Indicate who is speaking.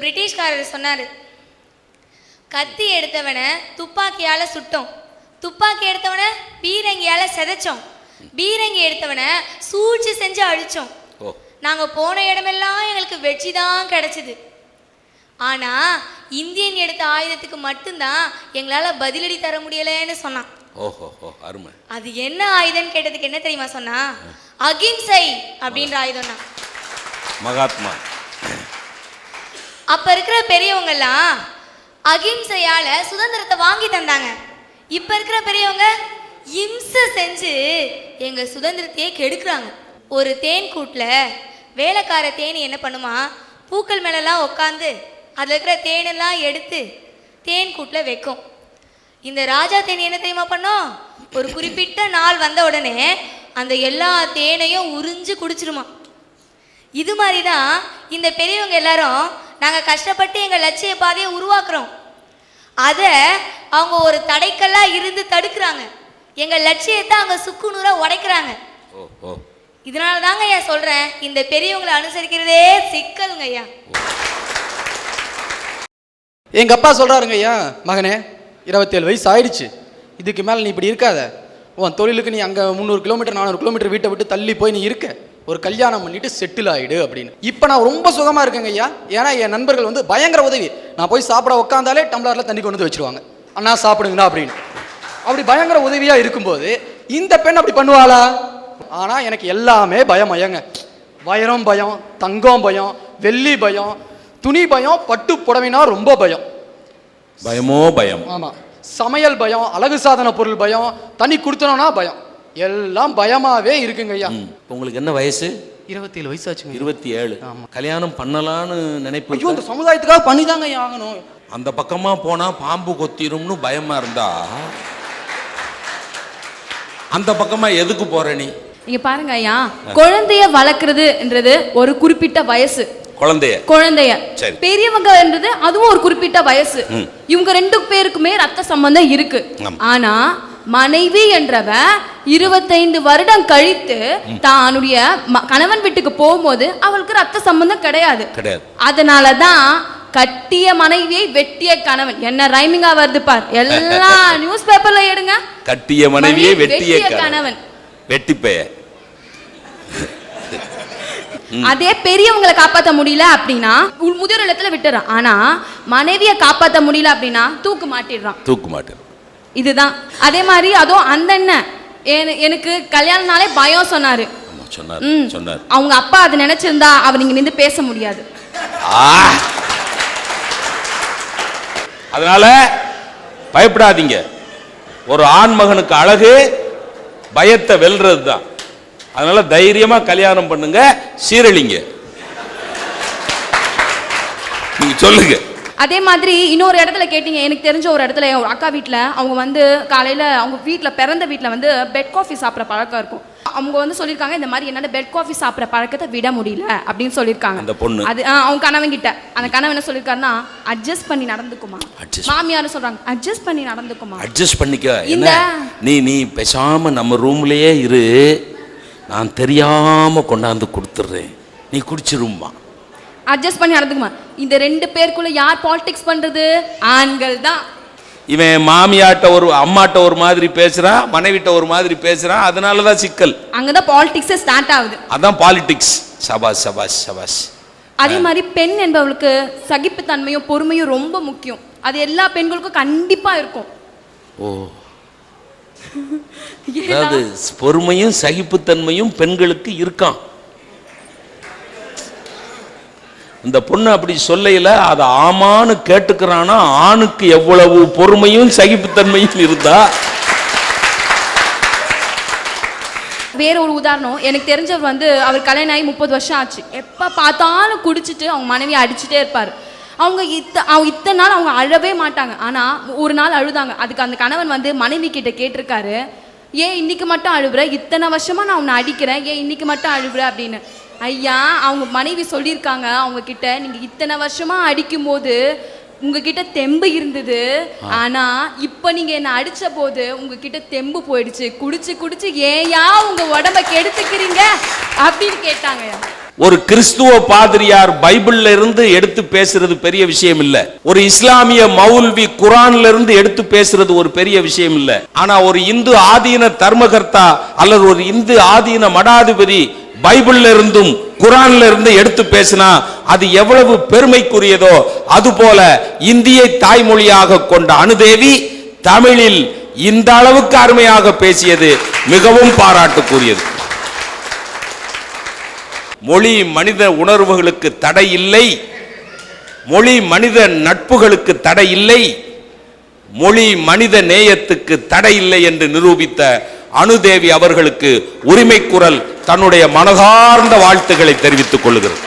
Speaker 1: பிரிட்டிஷ்காரர் சொன்னார், கத்தி எடுத்தவனை துப்பாக்கியால் சுட்டோம், துப்பாக்கி எடுத்தவனை பீரங்கியால் செதைச்சோம், பீரங்கி எடுத்தவனை சூழ்ச்சி செஞ்சு அழிச்சோம். நாங்கள் போன இடமெல்லாம் எங்களுக்கு வெற்றி தான் கிடைச்சிது. ஆனால் இந்தியன் எடுத்த ஆயுதத்துக்கு மட்டும்தான் எங்களால் பதிலடி தர முடியலைன்னு சொன்னான்.
Speaker 2: அருமை.
Speaker 1: அது என்ன ஆயுதம் கேட்டதுக்கு என்ன தெரியுமா சொன்னா? அகிம்சை அப்படின்ற ஆயுதம் தான்.
Speaker 2: மகாத்மா.
Speaker 1: அப்ப இருக்கிற பெரியவங்க எல்லாம் அகிம்சையால சுதந்திரத்தை வாங்கி தந்தாங்க. இப்ப இருக்கிற பெரியவங்க இம்சை செஞ்சு எங்க சுதந்திரத்தையே கெடுக்கிறாங்க. ஒரு தேன் கூட்டுல வேலைக்கார தேனி என்ன பண்ணுமா, பூக்கள் மேலெல்லாம் உட்காந்து அதில் இருக்கிற தேனெல்லாம் எடுத்து தேன் கூட்டில் வைக்கும். இந்த ராஜா தேனி என்ன தெரியுமா பண்ணோம், ஒரு குறிப்பிட்ட நாள் வந்த உடனே அந்த எல்லா தேனையும் உறிஞ்சு குடிச்சிருமா. இது மாதிரி தான் இந்த பெரியவங்க எல்லாரும் நாங்கள் கஷ்டப்பட்டு எங்கள் லட்சிய பாதையை உருவாக்குறோம். அதை அவங்க ஒரு தடைக்கல்லாக இருந்து தடுக்கிறாங்க. எங்கள் லட்சியத்தை அவங்க சுக்குநூறாக உடைக்கிறாங்க. இதனால தாங்க ஐயா சொல்கிறேன், இந்த பெரியவங்களை அனுசரிக்கிறதே சிக்கலுங்க ஐயா.
Speaker 3: எங்க அப்பா சொல்றாருங்க ஐயா, மகனே 27 வயசு ஆயிடுச்சு, இதுக்கு மேலே நீ இப்படி இருக்காத, உன் தொழிலுக்கு நீ அங்கே 300 கிலோமீட்டர் 400 கிலோமீட்டர் வீட்டை விட்டு தள்ளி போய் நீ இருக்க, ஒரு கல்யாணம் பண்ணிட்டு செட்டில் ஆயிடு அப்படின்னு. இப்போ நான் ரொம்ப சுகமாக இருக்கேங்க ஐயா. ஏன்னா என் நண்பர்கள் வந்து பயங்கர உதவி. நான் போய் சாப்பிட உட்காந்தாலே டம்ளரில் தண்ணி கொண்டு வந்து வச்சுருவாங்க, அண்ணா சாப்பிடுங்கண்ணா அப்படின்னு. அப்படி பயங்கர உதவியாக இருக்கும்போது இந்த பெண் அப்படி பண்ணுவாளா? ஆனால் எனக்கு எல்லாமே பயம் ஐயாங்க. வைரம் பயம், தங்கம் பயம், வெள்ளி பயம், துணி பயம், பட்டு புடவைனா ரொம்ப பயம்.
Speaker 2: பயமோ பயம்.
Speaker 3: ஆமாம். சமையல் பயம், அழகு சாதன பொருள் பயம், தண்ணி கொடுத்தனோன்னா பயம், எல்லாம் பயமாவே இருக்குங்க ஐயா.
Speaker 2: உங்களுக்கு என்ன வயசு?
Speaker 3: 27 வயசு ஆச்சுங்க.
Speaker 2: 27. கல்யாணம் பண்ணலான்னு நினைப்பு?
Speaker 3: ஐயோ, இந்த சமுதாயத்துக்காக பண்ணிதாங்க ஆகணும்.
Speaker 2: அந்த பக்கமா போனா பாம்பு கொத்திரும்னு பயமா இருந்தா அந்த பக்கமா எதுக்கு போற நீ?
Speaker 4: இங்க பாருங்க ஐயா, குழந்தைய வளர்க்கறதுன்றது ஒரு குறிப்பிட்ட வயசு. குழந்தைய பெரியவங்கன்றது அதுவும் ஒரு குறிப்பிட்ட வயசு. இவங்க 2 பேருக்குமே ரத்த சம்பந்தம் இருக்கு. ஆனா மனைவி என்றவ 25 வருடம் கழித்து தானுடைய கணவன் வீட்டுக்கு போகும்போது அவளுக்கு ரத்த சம்பந்தம் கிடையாது. அதனாலதான் கட்டிய மனைவியை வெட்டிய கணவன். என்ன ரைமிங்கா வருது பார், எல்லா நியூஸ் பேப்பர்ல எடுங்க.
Speaker 2: கட்டிய மனைவியை வெட்டிய கணவன், வெட்டிப்பைய.
Speaker 4: அதே பெரியவங்களை காப்பாற்ற முடியல அப்படின்னா முதியோர் இல்லத்துல விட்டுறான். ஆனா மனைவியை காப்பாற்ற முடியல அப்படின்னா தூக்கு மாட்டிடுறான். இதுதான். அதே மாதிரி அதுவும் அந்த எனக்கு கல்யாணம்னாலே பயம் சொன்னாரு. அவங்க அப்பா அதை நினைச்சிருந்தா அவர் நீங்க நின்று பேச முடியாது.
Speaker 2: அதனால பயப்படாதீங்க. ஒரு ஆண் மகனுக்கு அழகு பயத்தை வெல்றது தான். அதனால தைரியமா கல்யாணம் பண்ணுங்க, சீரழிங்க. நீங்க சொல்லுங்க.
Speaker 4: அதே மாதிரி இன்னொரு இடத்துல கேட்டீங்க, எனக்கு தெரிஞ்ச ஒரு இடத்துல ஒரு அக்கா வீட்டில் அவங்க வந்து காலையில் அவங்க வீட்டில் பிறந்த வீட்டில் வந்து பெட் காஃபி சாப்பிட்ற பழக்கம் இருக்கும். அவங்க வந்து சொல்லியிருக்காங்க, இந்த மாதிரி என்னால் பெட் காஃபி சாப்பிட்ற பழக்கத்தை விட முடியல அப்படின்னு சொல்லியிருக்காங்க.
Speaker 2: அந்த பொண்ணு
Speaker 4: அது அவங்க கணவன் கிட்ட, அந்த கணவன் என்ன சொல்லியிருக்காருன்னா, அட்ஜஸ்ட் பண்ணி நடந்துக்குமா. மாமியாரும் சொல்றாங்க அட்ஜஸ்ட் பண்ணி நடந்துக்குமா.
Speaker 2: அட்ஜஸ்ட் பண்ணிக்க. இந்த நீ பேசாம நம்ம ரூம்லயே இரு, நான் தெரியாம கொண்டாந்து கொடுத்துட்றேன், நீ குடிச்சிருமா.
Speaker 4: அட்ஜஸ்ட் பண்ணி நடந்துக்குமா. இந்த 2 பேருக்குள்ள யார் பாலிடிக்ஸ் பண்றது? ஆண்கள் தான்.
Speaker 2: இவன் மாமியாட்ட ஒரு அம்மாட்ட ஒரு மாதிரி பேசுறான், மனைவிட்ட ஒரு மாதிரி பேசுறான். அதனாலதான் சிக்கல்.
Speaker 4: அங்கதான் பாலிடிக்ஸ் ஸ்டார்ட் ஆகுது.
Speaker 2: அதான் பாலிடிக்ஸ். சபாஷ் சபாஷ் சபாஷ்.
Speaker 4: அதே மாதிரி பெண் என்பவளுக்கு சகிப்புத்தன்மையும் பொறுமையும் ரொம்ப முக்கியம். அது எல்லா பெண்களுக்கும் கண்டிப்பா இருக்கும்.
Speaker 2: அதாவது பொறுமையும் சகிப்புத்தன்மையும் பெண்களுக்கு இருக்கான். இந்த பொண்ணு அப்படி சொல்லையில அதை ஆமான்னு கேட்டுக்கிறானா, ஆணுக்கு எவ்வளவு பொறுமையும் சகிப்புத்தன்மையும் இருந்தா.
Speaker 4: வேற ஒரு உதாரணம், எனக்கு தெரிஞ்சவர் வந்து அவர் கல்யாணம் ஆகி 30 வருஷம் ஆச்சு. எப்ப பார்த்தாலும் குடிச்சிட்டு அவங்க மனைவியை அடிச்சுட்டே இருப்பாரு. அவங்க இத்தனை நாள் அவங்க அழவே மாட்டாங்க. ஆனா ஒரு நாள் அழுதாங்க. அதுக்கு அந்த கணவன் வந்து மனைவி கிட்ட கேட்டிருக்காரு, ஏன் இன்னைக்கு மட்டும் அழுவுற, இத்தனை வருஷமா நான் உன்னை அடிக்கிறேன், ஏன் இன்னைக்கு மட்டும் அழுவுற அப்படின்னு. ஐயா, அவங்க மனைவி சொல்லியிருக்காங்க அவங்க கிட்ட, நீங்க இத்தனை வருஷமா அடிக்கும் போது உங்ககிட்ட தெம்பு இருந்தது, ஆனா இப்ப நீங்க என்ன அடிச்ச போது உங்ககிட்ட தெம்பு போயிடுச்சு, குடிச்சு குடிச்சு ஏயா உங்க உடம்ப கெடுத்துக்கிறீங்க அப்படின்னு கேட்டாங்க.
Speaker 2: ஒரு கிறிஸ்துவ பாதிரியார் பைபிள்ல இருந்து எடுத்து பேசுறது பெரிய விஷயம் இல்ல. ஒரு இஸ்லாமிய மௌல்வி குர்ஆன்ல இருந்து எடுத்து பேசுறது ஒரு பெரிய விஷயம் இல்ல. ஆனா ஒரு இந்து ஆதீன தர்மகர்த்தா அல்லது ஒரு இந்து ஆதீன மடாதிபதி பைபிள்ல இருந்தும் குர்ஆன்ல இருந்து எடுத்து பேசினா அது எவ்வளவு பெருமைக்குரியதோ, அதுபோல இந்தியை தாய்மொழியாக கொண்ட அனுதேவி தமிழில் இந்த அளவுக்கு அருமையாக பேசியது மிகவும் பாராட்டுக்குரியது. மொழி மனித உணர்வுகளுக்கு தடை இல்லை, மொழி மனித நட்புகளுக்கு தடை இல்லை, மொழி மனித நேயத்துக்கு தடை இல்லை என்று நிரூபித்த அனுதேவி அவர்களுக்கு உரிமை குரல் தன்னுடைய மனதார்ந்த வாழ்த்துக்களை தெரிவித்துக் கொள்கிறது.